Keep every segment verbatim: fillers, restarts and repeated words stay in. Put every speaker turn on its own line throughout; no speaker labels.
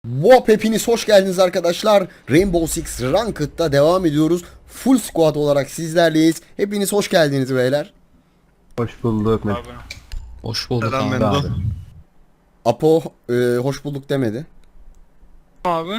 Wop, hepiniz hoş geldiniz arkadaşlar. Rainbow Six Ranked'da devam ediyoruz. Full squad olarak sizlerleyiz. Hepiniz hoş geldiniz beyler.
Hoş bulduk.
Abi.
Hoş bulduk
Selam
abi.
Mendo.
Apo e, hoş bulduk demedi.
Abi.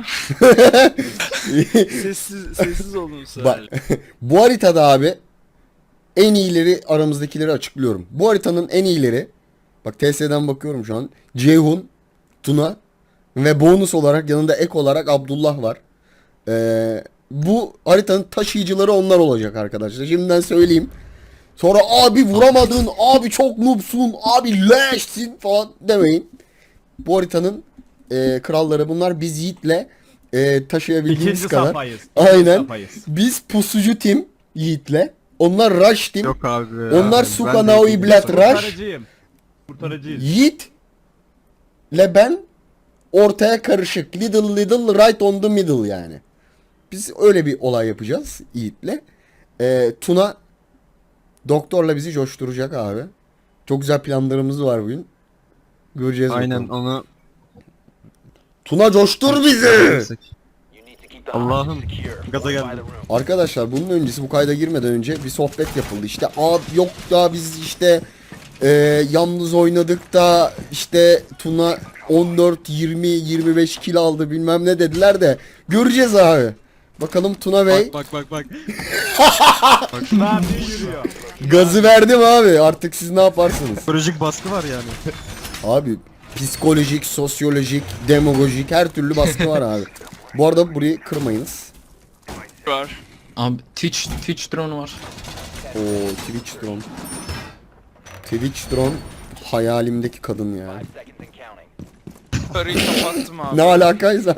sessiz sessiz olun sen.
Bak, bu haritada abi en iyileri aramızdakileri açıklıyorum. Bu haritanın en iyileri, bak T S'den bakıyorum şu an. Ceyhun, Tuna ve bonus olarak yanında ek olarak Abdullah var. Ee, bu haritanın taşıyıcıları onlar olacak arkadaşlar. Şimdiden söyleyeyim. Sonra abi vuramadın, abi çok noobsun, abi leşsin falan demeyin. Bu haritanın e, kralları bunlar. Biz Yiğit'le e, taşıyabildiğimiz
İkinci
kadar.
safhayız. İkinci
Aynen.
safhayız.
Biz pusucu tim Yiğit'le. Onlar rush tim.
Yok abi ya.
Onlar
Ben
Suka
de-
Naoi Blad Rush.
Kurtarıcıyım. Kurtarıcıyız.
Yiğit ile ben ortaya karışık. Little little right on the middle yani. Biz öyle bir olay yapacağız Yiğit'le. Ee, Tuna doktorla bizi coşturacak abi. Çok güzel planlarımız var bugün. Göreceğiz
Aynen
bakalım.
onu.
Tuna coştur bizi.
Allah'ım. Gaza geldim.
Arkadaşlar bunun öncesi, bu kayda girmeden önce bir sohbet yapıldı. İşte abi yok da biz işte e, yalnız oynadık da işte Tuna on dört yirmi yirmi beş kill aldı bilmem ne dediler de göreceğiz abi. Bakalım Tuna Bey
Bak bak bak bak.
Ne yapıyor yürüyor.
gazı verdim abi, artık siz ne yaparsınız?
Psikolojik baskı var yani.
Abi psikolojik, sosyolojik, demagojik her türlü baskı var abi. Bu arada burayı kırmayınız.
Var.
Abi Twitch, Twitch drone var.
O Twitch drone. Twitch drone hayalimdeki kadın ya.
Parayı kapattım abi.
Ne alakaysa.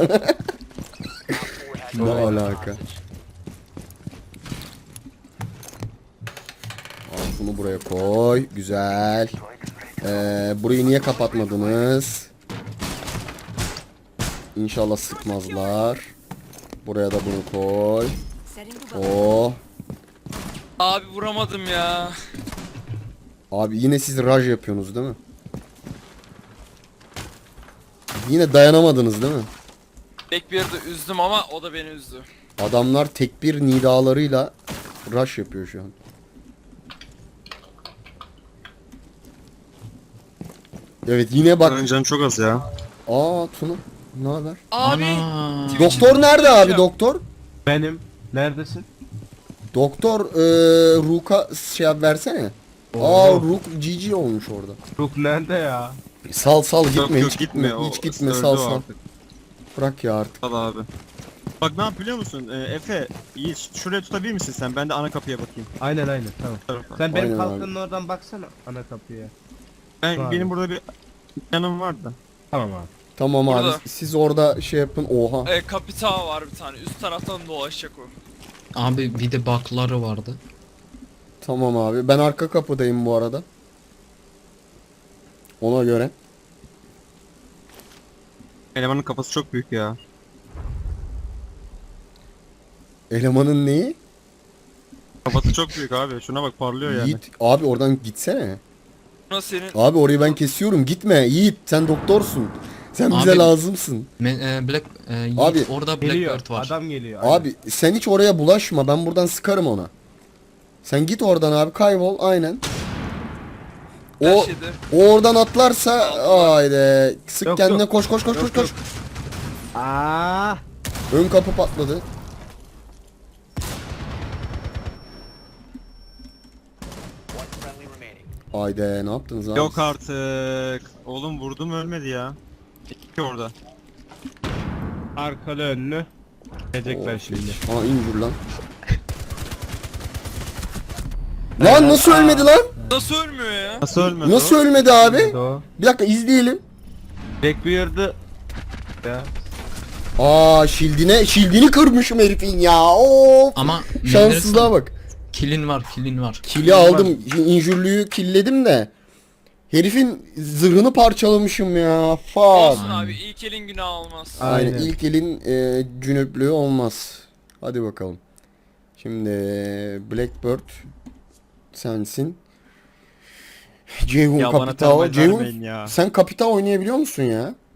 Ne alaka? Al bunu buraya koy. Güzel. Ee, burayı niye kapatmadınız? İnşallah sıkmazlar. Buraya da bunu koy. Oh.
Abi vuramadım ya.
Abi yine siz raj yapıyorsunuz değil mi? Yine dayanamadınız değil mi?
Tek bir yerde üzdüm ama o da beni üzdü.
Adamlar tekbir nidalarıyla rush yapıyor şu an. Evet yine bak.
Paranın canı çok az ya.
Aa Tuna. Ne haber?
Abi.
Ana.
Doktor nerede abi doktor?
Benim. Neredesin?
Doktor eee Rook'a şey yap versene. Aa Rook G G olmuş orada.
Ruh nerede ya?
Sal sal gitme
Yok yok
hiç
gitme.
gitme
o
hiç gitme
öldü
sal
o
sal.
artık.
Bırak ya artık.
Al abi. Bak ne yap biliyor musun? Ee, Efe, Yiğit şuraya tutabilir misin sen? Ben de ana kapıya bakayım.
Aynen aynen tamam.
Tarafa.
Sen benim
Aynen
kalkanın oradan baksana ana kapıya.
Ben,
Abi.
benim burada bir yanım var da.
Tamam abi.
Tamam abi
Burada.
siz orada şey yapın. Oha.
E, kapita var bir tane. Üst taraftan dolaşacak o.
Abi bir de bakları vardı.
Tamam abi. Ben arka kapıdayım bu arada. Ona göre.
Elemanın kafası çok büyük ya.
Elemanın neyi?
Kafası çok büyük abi. Şuna bak parlıyor yani.
Yiğit abi oradan gitsene.
Buna senin
Abi orayı ben kesiyorum. Gitme Yiğit, sen doktorsun. Sen bize
Abi-
lazımsın.
Me- e, Black e, Yiğit,
Abi,
orada
Geliyor.
Blackbird var.
Adam geliyor. aynen.
Abi sen hiç oraya bulaşma. Ben buradan sıkarım ona. Sen git oradan abi, kaybol aynen.
her
O
şeyde.
o oradan atlarsa haydi sık
Yok,
kendine,
yok.
koş koş koş
Yok,
koş koş.
yok. Aa.
Ön kapı patladı. Haydi ne yaptınız abi?
Yok artık. Oğlum vurdum ölmedi ya. İki orada.
Arkalı önlü. Gelecekler şimdi.
Aa injur lan. Lan nasıl ölmedi lan?
Nasıl ölmüyor ya?
Nasıl ölmedi
Nasıl
o?
ölmedi abi?
Nerede o?
Bir dakika izleyelim.
Blackbeard'ı. Ya.
Aa şildine şildini kırmışım herifin ya. Of.
Ama
Şanssızlığa bak.
Kilin var, kilin var.
Kili aldım. İnjürlüyü killedim de. Herifin zırhını parçalamışım ya. Fuck.
Olsun abi ilk elin günah olmaz.
Aynen.
Aynen.
İlk elin e, cünüplüğü olmaz. Hadi bakalım. Şimdi Blackbird sensin. Ceyhun
Ya bana
Kapital.
termal
Ceyhun
vermeyin ya.
sen Kapital oynayabiliyor musun ya?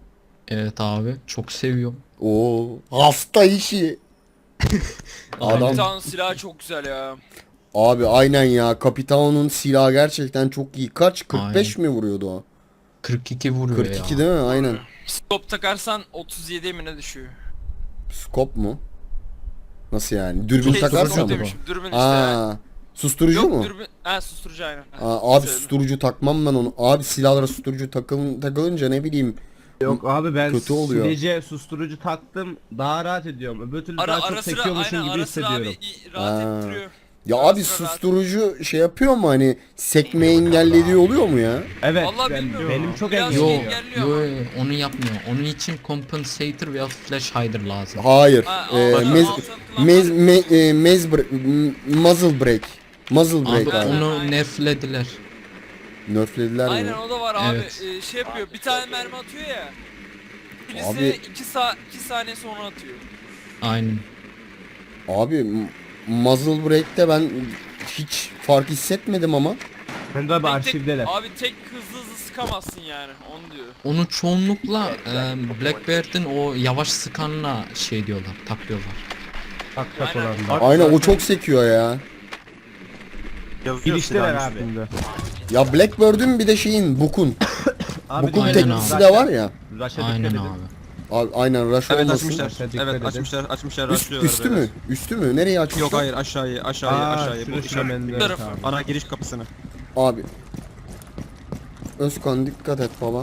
Evet abi çok seviyorum.
Oo, hasta işi. Adam
Kapitan silahı çok güzel ya.
abi aynen ya. Capitao'nun silahı gerçekten çok iyi. Kaç? kırk beş mi vuruyordu o?
kırk iki vuruyor
kırk iki
ya.
değil mi? Aynen.
Scope takarsan otuz yedi mi ne düşüyor?
Scope mu? Nasıl yani? Dürbün
Şey,
takarsan
scope
mı?
demişim, dürbün işte.
Aa, susturucu
Yok
mu?
dürbün, ha susturucu aynen. Ha,
Aa, abi
söyledim.
susturucu takmam ben onu. Abi silahlara susturucu takılın, takılınca ne bileyim.
Yok abi ben
Kötü oluyor.
silece susturucu taktım daha rahat ediyorum. Öbür türlü
Ara,
daha çok
ara sıra
sekiyormuşum
aynen
gibi
ara sıra
hissediyorum.
abi i- rahat
Ha.
ettiriyor.
Ya
Ara
abi
sıra rahat-
susturucu şey yapıyor mu hani sekmeyi engellediği oluyor mu ya?
Evet
Vallahi
ben-
bilmiyorum.
benim çok
Biraz
Yo,
engelliyor.
engelliyor
yo,
ama.
yo, onu yapmıyor. Onun için compensator veya flash hider lazım.
Hayır.
Ha,
Ee,
altını-
mez,
altını kullanmaz.
mez, me, e, mez bre- m- muzzle break. Muzzle break
Abi
abi.
onu
Aynen.
nerflediler.
Nerflediler mi?
Aynen o da var abi.
Evet.
Ee, şey yapıyor. Bir tane mermi atıyor ya. Birisi
Abi-
iki sa iki saniye sonra atıyor.
Aynen.
Abi m- muzzle break'te ben hiç fark hissetmedim ama.
Ben de abi
Tek tek-
arşivdeler.
Abi tek hızlı hızlı sıkamazsın yani. Onu diyor.
Onu çoğunlukla e, Blackbeard'in o yavaş sıkanla şey diyorlar, takıyorlar.
Tak tak
Aynen.
olanlar.
Aynen o çok sekiyor ya.
Yazıyor
Girişteler
silahın
abi.
üstünde.
Ya Blackbird'ün bir de şeyin Bukun.
Abi
Bukun
aynen
teknisi
abi.
de var ya.
Rush'a
Aynen
dikkat edin.
abi.
Abi aynen rush
Evet
olmasın.
açmışlar.
Dikkat edin.
Evet açmışlar açmışlar
Üst,
açlıyorlar.
üstü mü? Üstü mü? Nereye açmışlar?
Yok hayır aşağıya aşağıya
Aa,
aşağıya. Bu
şurası
işaret-
bende.
Tarafı.
Tamam.
Ana giriş kapısını.
Abi. Özkan dikkat et baba.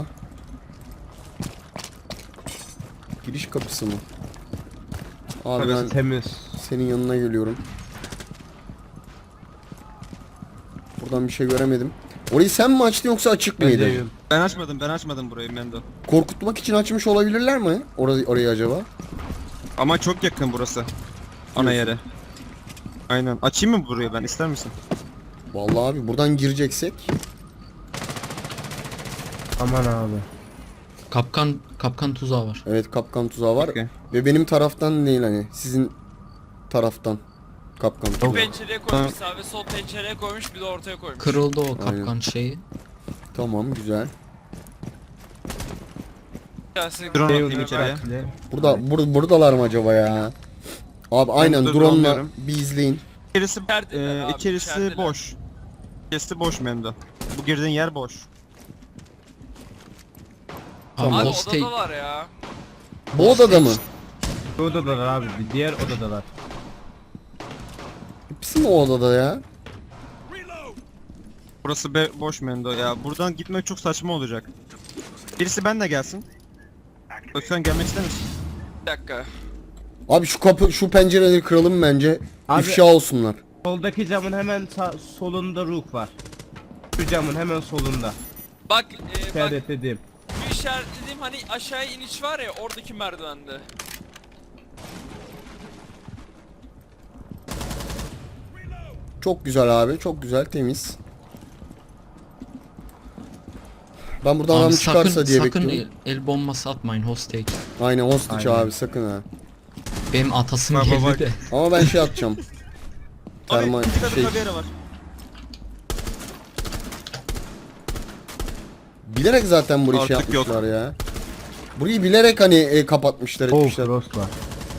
Giriş kapısı mı? Abi
Burası
ben
temiz.
senin yanına geliyorum. Buradan bir şey göremedim. Orayı sen mi açtın yoksa açık
Ben
mıydı?
deyim.
Ben açmadım ben açmadım burayı Mendo.
Korkutmak için açmış olabilirler mi? Orayı, orayı acaba?
Ama çok yakın burası. Ana yere. Aynen. Açayım mı burayı ben ister misin?
Vallahi abi buradan gireceksek.
Aman abi.
Kapkan kapkan tuzağı var.
Evet kapkan tuzağı var.
Okey.
Ve benim taraftan değil hani. Sizin taraftan. Kapkan
Bir
tuzağı.
pencereye koymuş sağ ve sol pencereye koymuş bir de ortaya koymuş.
Kırıldı o kapkan şeyi.
Tamam güzel.
Gelsin.
Drone
Şey
atayım içeriye.
dikkatli.
Burada bur buradalar mı acaba ya? Abi aynen
dur,
drone'la
bulamıyorum.
bir izleyin.
İçerisi,
İçerideler
e,
abi,
içerisi
içerideler.
boş. İçerisi boş Mendo. Bu girdiğin yer boş.
Abi
Abi
hostage,
odadalar ya.
Bu odada mı?
Bu odadalar abi. Bir diğer odadalar.
Hepsi mi o odada ya?
Burası be boş Mendo ya. Buradan gitmek çok saçma olacak. Birisi benle gelsin. Özkan gelmek ister misin?
Bir dakika.
Abi şu kapı şu pencereleri kıralım bence.
Abi-
İfşa olsunlar.
Soldaki camın hemen sağ, solunda Rook var. Şu camın hemen solunda.
Bak e, bak
İşaretledim.
bu işaretlediğim hani aşağıya iniş var ya oradaki merdivende.
Çok güzel abi. Çok güzel temiz. Ben buradan
abi
adam
sakın,
çıkarsa diye
sakın
bekliyorum.
el, el bombası atmayın hostage.
Aynen hostage
Aynen.
abi sakın ha.
Benim atasım
Bak, bak,
geldi
bak.
de.
Ama ben şey atacağım. Termal
Abi iki katı
şey.
kaviyara var.
Bilerek zaten burayı şey
Artık yok.
yapmışlar ya. Burayı bilerek hani e, kapatmışlar
Oh
etmişler.
Frost var.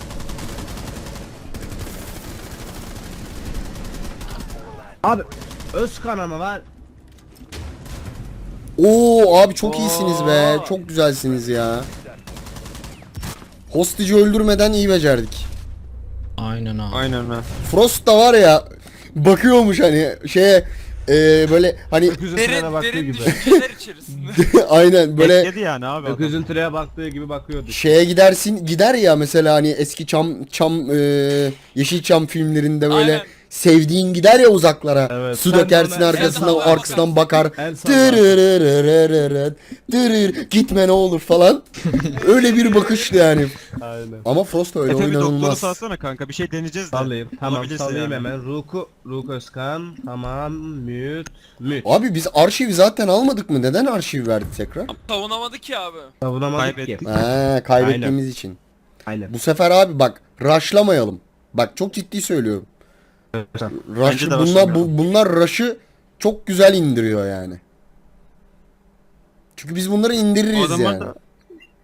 Abi Özkan ama var.
Oo abi çok iyisiniz be.
Oo.
Çok güzelsiniz ya. Hostage'i öldürmeden iyi becerdik.
Aynen abi.
Aynen ha.
Frost da var ya bakıyormuş hani şeye e, böyle hani
Öküzün trene
Derin
baktığı
derin
gibi.
düşünceler içerisinde.
aynen böyle
Bekledi yani abi adam.
Öküzün trene baktığı gibi bakıyordu.
şeye gidersin gider ya mesela hani eski çam çam e, Yeşilçam filmlerinde böyle
Aynen.
sevdiğin gider ya uzaklara.
Evet.
Su
Sen
dökersin
de ona-
arkasından
el salla
arkasından bakar.
El salla.
Tırırırırırırır, tırır, gitme ne olur falan. Öyle bir bakıştı yani.
Aynen.
Ama Frost öyle
Efe bir doktoru
oynanılmaz.
salsana kanka bir şey deneyeceğiz de.
Sallayayım. Tamam
Olabilirse
sallayayım
yani.
hemen. Rook'u, Rook Özkan. Tamam. Mute. Mute.
Abi biz arşivi zaten almadık mı? Neden arşiv verdik tekrar?
Savunamadı ki abi.
Savunamadık
Kaybettik.
ki.
Ha, kaybettiğimiz için.
Aynen.
Bu sefer abi bak rushlamayalım. Bak çok ciddi söylüyorum. Rush,
Bence de
bunlar, bu,
rushlamayalım.
bunlar rush'ı çok güzel indiriyor yani. Çünkü biz bunları
O
indiririz
adamlar
yani.
da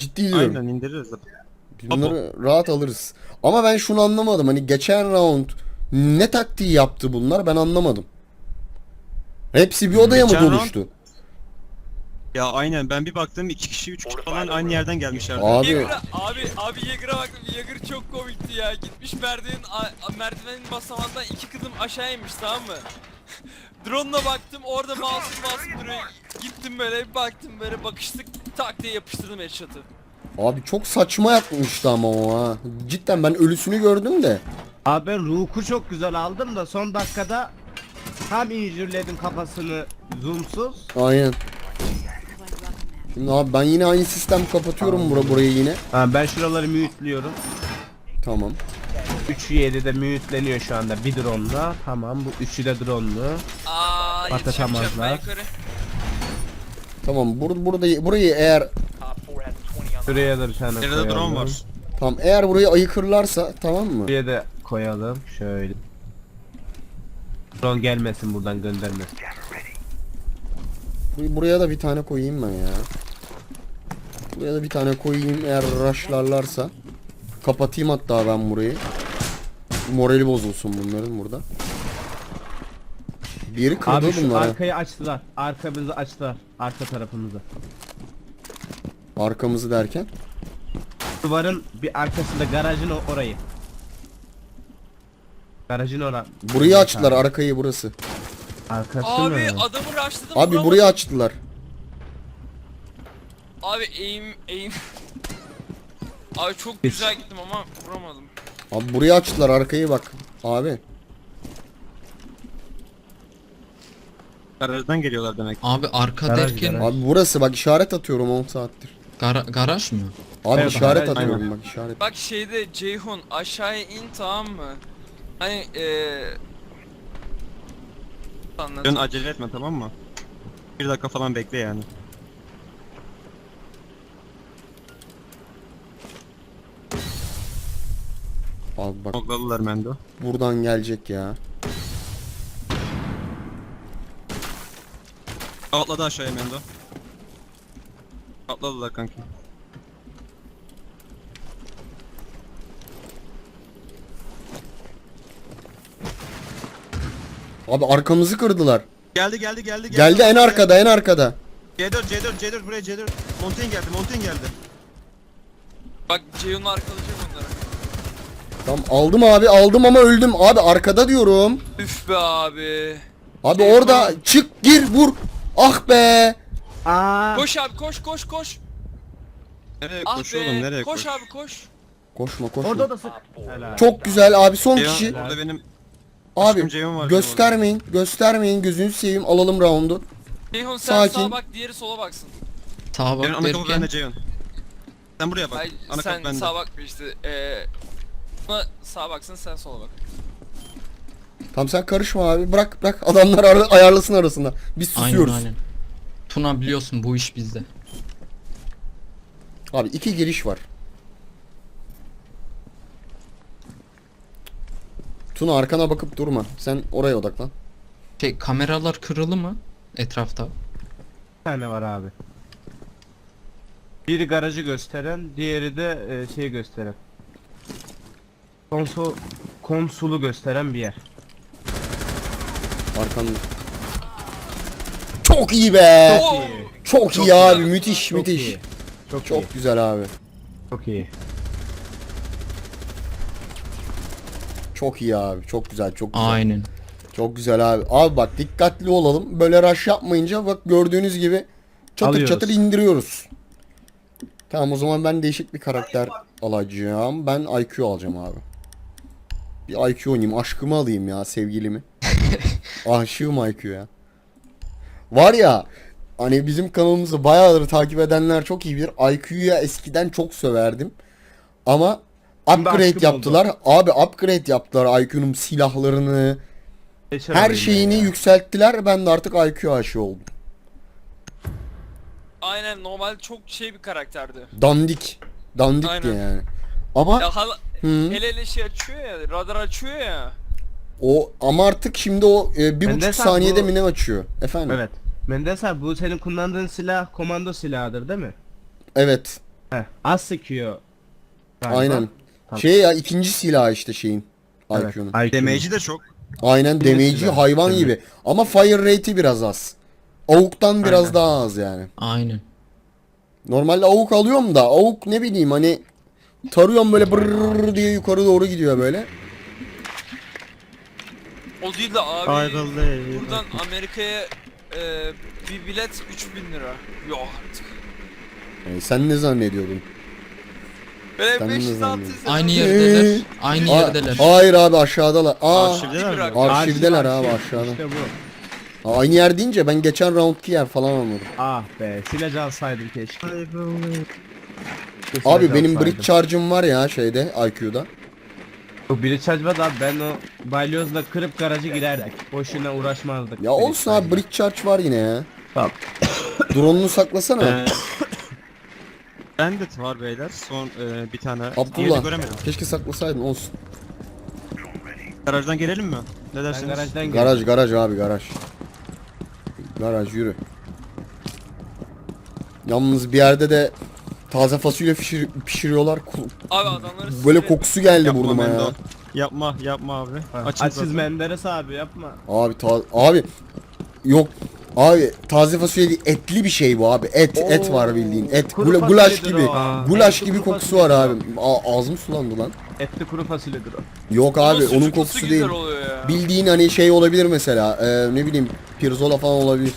Ciddi diyorum.
Aynen indiririz.
Biz bunları rahat alırız. Ama ben şunu anlamadım. Hani geçen round ne taktiği yaptı bunlar ben anlamadım. Hepsi bir odaya mı
Geçen round-
doluştu?
Ya aynen ben bir baktım iki kişi üç kişi falan aynı yerden gelmişlerdi.
Abi
Yeager'a- abi abi Yeager'a baktım. Yeager çok komikti ya. Gitmiş merdivenin a- merdivenin basamağından iki kızım aşağı inmiş, tamam mı? Drone'la baktım, orada masum masum duruyor. Gittim böyle bir baktım, böyle bakıştık, tak diye yapıştırdım headshot'ı.
abi çok saçma yapmıştı ama o ha. Cidden ben ölüsünü gördüm de.
Abi ben Rook'u çok güzel aldım da son dakikada tam injürledim kafasını zoomsuz.
Aynen. Şimdi abi ben yine aynı sistem kapatıyorum bura burayı yine.
Ha, ben şuraları mute'liyorum.
Tamam.
üçü yedi de mute'leniyor şu anda bir drone'la. Tamam, bu üçü de drone'lu.
Aa,
Patlatamazlar.
yetişemeyeceğim ben yukarı.
Tamam bur burada burayı eğer
Şuraya da bir tane
Nerede
koyalım.
drone var.
tamam eğer burayı ayıkırlarsa tamam mı?
Buraya da koyalım şöyle. Drone gelmesin buradan, göndermesin.
Bur- Buraya da bir tane koyayım ben ya. Buraya da bir tane koyayım eğer rushlarlarsa. Kapatayım hatta ben burayı. Morali bozulsun bunların burada. Bir yeri kırdı
Abi şu
bunlar ha.
arkayı açtılar. Arkamızı açtılar. Arka tarafımızı.
Arkamızı derken.
Duvarın bir arkasında, garajın o- orayı. Garajın ora.
Burayı açtılar arkayı burası.
Arkası
Abi
mı?
adamı rushladım.
Abi
vuramadım.
burayı açtılar.
Abi aim aim. Abi çok güzel gittim ama vuramadım.
Abi burayı açtılar arkayı bak. Abi.
Garajdan geliyorlar demek.
Abi arka
Garaj,
derken
garaj.
Abi burası bak işaret atıyorum on saattir.
gara- garaj mı?
Abi
Evet,
işaret
garaj,
atıyorum
aynen.
bak işaret.
Bak şeyde Ceyhun aşağıya in, tamam mı? Hani eee anladım.
Dön acele etme tamam mı? Bir dakika falan bekle yani.
Abi bak
Mokladılar Mendo.
buradan gelecek ya.
Atladı aşağıya Mendo. Atladılar kanki.
Abi arkamızı kırdılar.
Geldi geldi geldi.
Geldi en arkada en arkada.
C dört C dört C dört buraya C dört. Montaigne geldi Montaigne geldi.
Bak Ceyhun arkalayacak onları.
Tamam aldım abi aldım ama öldüm. Abi arkada diyorum.
Üf be abi.
Abi
Ceyhun.
orada çık gir vur. Ah be.
Aa.
Koş abi, koş koş koş.
Nereye
Ah
koş
be.
oğlum nereye
koş
koş?
abi koş.
Koşma koşma.
Orada da sık. Helal.
Çok güzel abi son
Ceyhun,
kişi.
orada benim
Abi
aşkım Ceyhun var.
göstermeyin göstermeyin gözünüzü seveyim alalım roundu.
Ceyhun sen
Sakin.
sağa bak, diğeri sola baksın.
Sağa
Ceyhun
bak
ana kapı
derken
bende Ceyhun. Sen buraya bak.
Ay,
Ana
sen
kapı bende.
sağa bakma işte. Eee buna sağa baksın, sen sola bak.
Tamam sen karışma abi bırak bırak adamlar ara- ayarlasın arasında. Biz
aynen
susuyoruz.
aynen. Tuna biliyorsun bu iş bizde.
Abi iki giriş var. Tuna arkana bakıp durma. Sen oraya odaklan.
Şey kameralar kırılı mı etrafta?
Bir tane var abi. Biri garajı gösteren, diğeri de e, şey gösteren. Konsol konsolu gösteren bir yer.
Arkanda. Çok iyi be.
Oo!
Çok,
Çok
iyi abi.
güzel.
Müthiş
Çok
müthiş.
iyi. Çok,
Çok
iyi.
güzel abi.
Çok iyi.
Çok iyi abi. Çok güzel. Çok güzel.
Aynen.
Çok güzel abi. Abi bak dikkatli olalım. Böyle rush yapmayınca bak gördüğünüz gibi çatır
Alıyoruz.
çatır indiriyoruz. Tamam o zaman ben değişik bir karakter alacağım. Ben I Q alacağım abi. Bir I Q oynayayım. Aşkımı alayım ya sevgilimi. Aşığım I Q ya. Var ya hani bizim kanalımızı bayağıdır takip edenler çok iyi bilir. I Q'ya eskiden çok söverdim. Ama
Şimdi
upgrade
aşkım
yaptılar. Abi upgrade yaptılar I Q'nun silahlarını.
Geçer
Her
orayı
şeyini
ya.
yükselttiler. Ben de artık I Q aşığı oldum.
Aynen, normal çok şey bir karakterdi.
Dandik. Dandikti
Aynen.
yani. Ama
Ya hala
hı,
hele hele şey açıyor ya, radar açıyor ya.
o ama artık şimdi o e, bir
Ben
buçuk
de sen
saniyede
bu-
mi ne açıyor? Efendim?
Evet. Mendes abi bu senin kullandığın silah komando silahıdır değil mi?
Evet.
Heh, az sıkıyor. galiba.
Aynen.
Tamam.
Şey ya ikinci silah işte şeyin.
Evet,
I Q'nun.
I Q'nun.
Damage'i de çok.
Aynen
Birinci
damage'i
silah.
hayvan
Evet.
gibi. Ama fire rate'i biraz az. Avuk'tan biraz
Aynen.
daha az yani.
Aynen.
Normalde avuk alıyorum da avuk ne bileyim hani tarıyorum böyle brrrr diye yukarı doğru gidiyor böyle.
O değil de abi.
Ayrıldı.
Buradan Amerika'ya e, bir bilet üç bin lira. Yok artık.
Yani sen ne zannediyordun?
Böyle
Sen ne
beş yüz altı yüz
zannediyorsun?
lira.
Aynı yerdeler. Aynı
Aa,
yerdeler.
hayır abi aşağıdalar. Aa,
Arşivdeler mi?
bırak.
arşivdeler
Arşiv,
abi
arşiv.
aşağıda.
İşte bu.
Aa, aynı yer deyince ben geçen roundki yer falan anladım.
Ah be, silah alsaydım keşke.
Abi benim bridge charge'ım var ya şeyde I Q'da.
Bu biri çarpmadı abi, ben o balyozla kırıp garajı girerdik. Boşuna uğraşmazdık.
Ya olsun abi bridge charge var yine ya.
Tamam.
Drone'unu saklasana.
Ee, Bandit var beyler. Son e, bir tane. Diğerini
Abdullah.
göremedim.
Keşke saklasaydın olsun.
Garajdan gelelim mi? Ne
Ben
dersiniz?
garajdan girdim.
Garaj garaj abi garaj. Garaj yürü. Yalnız bir yerde de taze fasulye pişir- pişiriyorlar. Ku-
Abi adamları
Böyle
sinir-
kokusu geldi
Yapma
burnuma
Mendo.
ya.
Yapma yapma abi.
Ha,
Açın
Açız
zaten.
Menderes abi yapma.
Abi ta abi yok abi taze fasulye değil, etli bir şey bu abi. Et et var bildiğin. Et
Kuru
Gula- gulaş
fasulyedir
gibi.
o. Aa.
Gulaş
Etli
gibi
kuru
kokusu var abi.
fasulyedir
Aa, ağzım sulandı lan.
Etli kuru fasulyedir o.
Yok
Ama
abi onun
sucuklusu
kokusu
güzel
değil.
oluyor ya.
Bildiğin hani şey olabilir mesela. e, ne bileyim pirzola falan olabilir.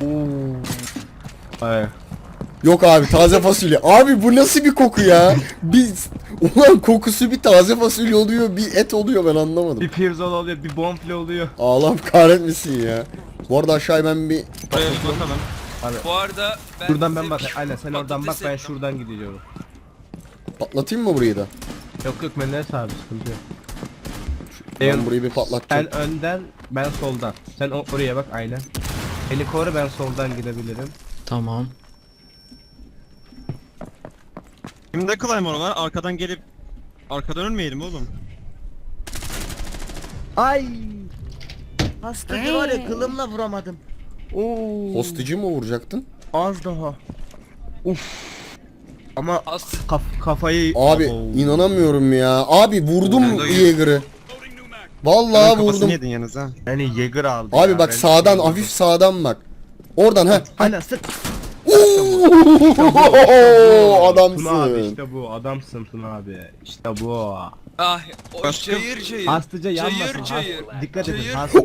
Ay.
Yok abi taze fasulye. Abi bu nasıl bir koku ya? Biz ulan kokusu bir taze fasulye oluyor, bir et oluyor ben anlamadım.
Bir pirzola oluyor, bir bonfile oluyor.
Allah kahretmesin ya. Bu arada aşağıya ben bir
Buraya bir bakalım.
Bu arada ben
Şuradan ben
size
bak.
bir
Aynen sen oradan bak,
patates
ben
ettim.
şuradan gidiyorum.
patlatayım mı burayı da?
Yok yok Menderes abi, sıkıntı yok.
Ben burayı bir patlatacağım.
Sen önden, ben soldan. Sen o- oraya bak, aynen. Beni koru, ben soldan gidebilirim.
Tamam.
Kimde Claymore var? Arkadan gelip arkadan ölmeyelim oğlum.
Ay. Hastacı var ya, kılımla vuramadım. Oo.
Hostage'ı mı vuracaktın?
Az daha.
Ama
As
kaf kafayı...
Abi
Abo.
inanamıyorum ya. Abi vurdum
Ben de-
Yeager'ı. Vallahi
Kafasını
vurdum.
yedin yalnız ha.
Yani Jäger aldı
Abi
ya,
bak
ben-
sağdan hafif sağdan bak. Oradan ha.
Aynen sık.
Oo,
Tuna abi
adamsın.
işte bu, adamsın Tuna abi. İşte bu.
ah o
Başka-
cayır cayır.
Hastacı yanmasın.
Cayır
hast-
cayır.
Dikkat edin.
Cayır.
Hasta.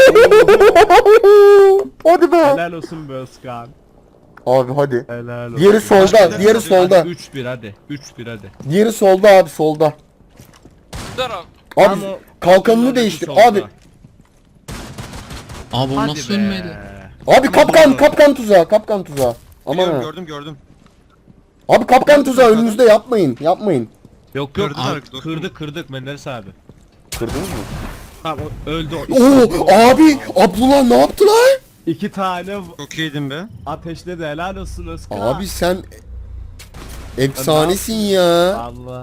Hadi be.
Helal olsun be Özkan.
Abi hadi.
Helal olsun.
Diğeri solda, diğeri solda.
üç bir hadi. üç bir hadi.
Diğeri solda abi solda.
Dur abi.
Abi
Ama
kalkanını
solda,
değiştir.
solda.
Abi
Abi o
Hadi
nasıl
be.
ölmedi?
abi kapkan kapkan tuzağı kapkan tuzağı. Aman
Gördüm
ha.
gördüm gördüm.
Abi kapkan tuzağı önünüzde yapmayın. Yapmayın.
Yok yok
Kırdılar,
abi,
dostum.
kırdık kırdık Menderes abi.
Kırdınız mı?
Tamam o- öldü o.
Oo abi Abdullah ne yaptı lan?
İki tane
Çok iyiydin be.
ateşledi, helal olsun Özkan.
Abi sen efsanesin ya.
Allah.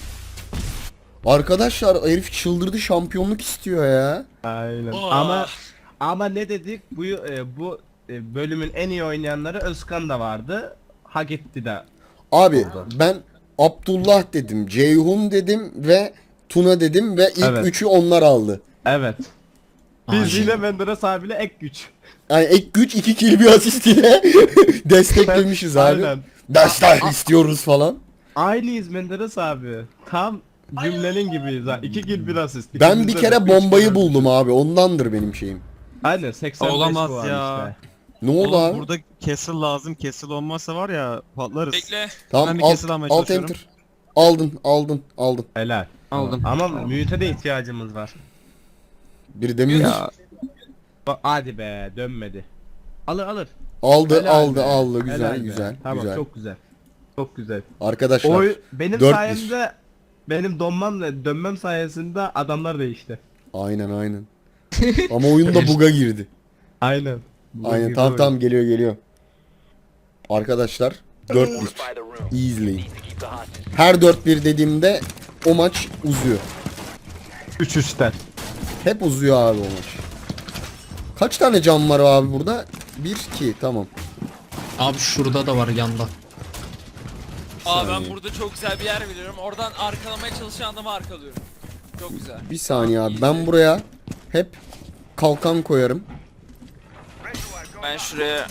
Arkadaşlar herif çıldırdı, şampiyonluk istiyor ya.
Aynen.
Oh.
Ama ama ne dedik? Bu e, bu e, bölümün en iyi oynayanları Özkan da vardı. Hak etti de.
Abi ben Abdullah dedim, Ceyhun dedim ve Tuna dedim ve ilk
Evet.
üçü onlar aldı.
Evet. Biz
Aynen.
yine Menderes abiyle ek güç.
Yani ek güç iki kill bir asist ile desteklemişiz abi.
Aynen.
Destek istiyoruz falan.
Aynıyız Menderes abi. Tam cümlenin gibiyiz ha. İki kill bir asist.
Ben
İkimizde
bir
de
kere
üç
bombayı
kill.
buldum abi. Ondandır benim şeyim.
Aynen seksen beş
Olamaz
puan
ya.
işte.
Ne oldu
Oğlum
abi?
burada castle lazım. Castle olmazsa var ya patlarız.
Bekle.
Tamam
ben bir
alt,
kesil almaya
alt
çalışıyorum.
enter. Aldın aldın aldın.
Helal.
Aldım.
Ama müte de ihtiyacımız var.
Biri demiş.
Ya
Bak hadi be, dönmedi. Alır alır.
Aldı
Helal
aldı
be.
aldı güzel
Helal be.
güzel
Tamam
güzel.
çok güzel. Çok güzel.
Arkadaşlar
Oy benim
dört bir.
sayemde benim donmamla dönmem sayesinde adamlar değişti.
aynen aynen. Ama oyunda buga girdi.
Aynen.
Aynen tamam tamam geliyor geliyor. Arkadaşlar dört bir. Easily. Her dört bir dediğimde o maç uzuyor.
üç üçten.
Hep uzuyor abi o maç. Kaç tane cam var abi burada? bir iki tamam.
Abi şurada da var yanda.
Aa ben
saniye.
burada çok güzel bir yer biliyorum. Oradan arkalamaya çalışan adamı arkalıyorum. Çok güzel.
Bir saniye abi. Ben buraya hep kalkan koyarım.
Ben şuraya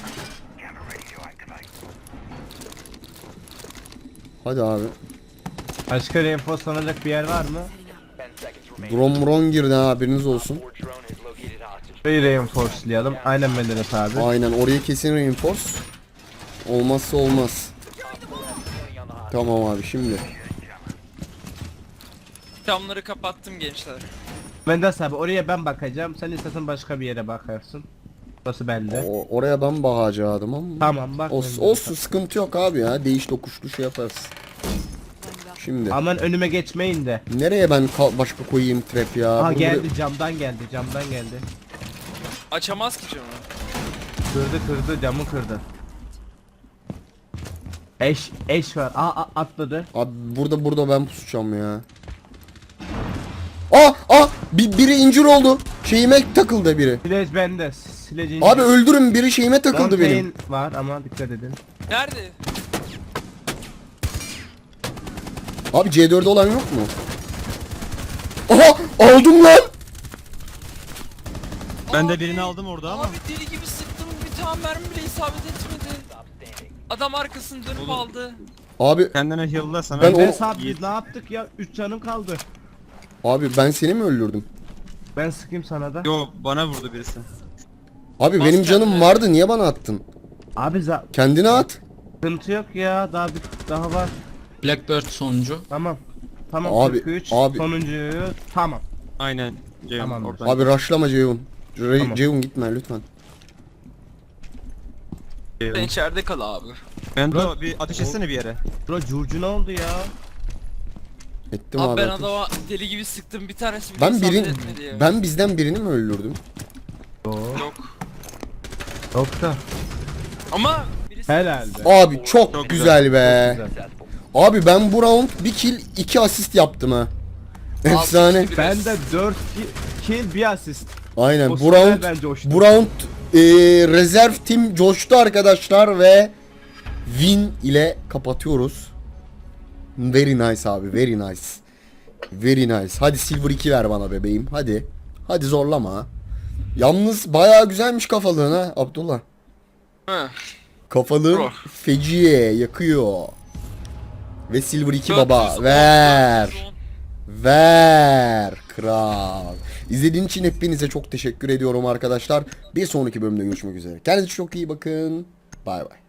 Hadi abi.
Başka reinforcelanacak bir yer var mı?
Drone mron girdi ha, haberiniz olsun.
Şurayı reinforcelayalım. Aynen Menderes abi.
Aynen, oraya kesin reinforce. Olmazsa olmaz. Tamam abi, şimdi.
camları kapattım gençler.
Menderes abi oraya ben bakacağım. Sen istersen başka bir yere bakarsın. Burası bende.
O, oraya ben bakacaktım ama.
Tamam bak.
Olsun,
Menderes
olsun, sıkıntı yok abi ya. Değiş tokuşlu şey yaparız. Şimdi.
Aman önüme geçmeyin de.
Nereye ben kal- başka koyayım trap ya?
Ha
Bunu
geldi
buraya-
camdan geldi camdan geldi.
Açamaz ki camı.
Kırdı kırdı camı kırdı. Eş eş var. Aa, aa, atladı.
Abi burada burada ben pusacağım ya. Aa aa bir, biri incir oldu. Şeyime takıldı biri.
Silej bende. Silejin.
Abi öldürün, biri şeyime takıldı benim.
var ama dikkat edin.
Nerede?
Abi C dört'de olan yok mu? Aha aldım lan.
Ben de
Abi,
birini aldım orada ama.
Abi deli gibi sıktım, bir tane mermi bile isabet etmedi. Adam arkasını dönüp aldı.
Abi
Kendine heal'la sana.
Ben
Ben
o-
sabit biz ne yaptık ya? üç canım kaldı.
abi ben seni mi öldürdüm?
Ben sıkayım sana da.
Yo, bana vurdu birisi.
Abi
Bas
benim canım
kendine.
vardı, niye bana attın?
Abi za
Kendine at.
sıkıntı yok ya. Daha bir daha var.
Blackbird sonuncu.
Tamam. Tamam
Abi,
kırk üç.
abi.
Sonuncuyu tamam.
Aynen. Ceyhun
Tamamdır.
oradan.
Abi rushlama Ceyhun. Re-
Tamam.
Ceyhun gitme lütfen.
Sen
Ceyhun.
içeride kal abi.
Ben de bir ateş etsene bir yere.
Bro curcu ne oldu ya?
Ettim
Abi
abi.
ben
ateş.
adama deli gibi sıktım, bir tanesi bile
Ben
isabet
birin
etmedi ya.
ben bizden birini mi öldürdüm?
Yok.
Yok.
Yok da.
Ama birisi
Herhalde.
Abi çok,
Çok
güzel,
güzel.
be.
Çok güzel.
Abi ben bu round bir kill iki asist yaptım ha. Efsane.
iki, bir
Ben de dört kill bir asist.
Aynen
O
bu
süper
round
bence hoştu.
bu round e, rezerv tim coştu arkadaşlar ve win ile kapatıyoruz. Very nice abi, very nice. Very nice. Hadi silver iki ver bana bebeğim. Hadi. Hadi zorlama. Yalnız bayağı güzelmiş kafalığın ha Abdullah.
Hı.
Kafalığın
Bro.
feciye yakıyor. Ve silver iki
dört yüz
baba
on,
ver.
dört yüz on.
Ver kral. İzlediğin için hepinize çok teşekkür ediyorum arkadaşlar. Bir sonraki bölümde görüşmek üzere. Kendinize çok iyi bakın. Bay bay.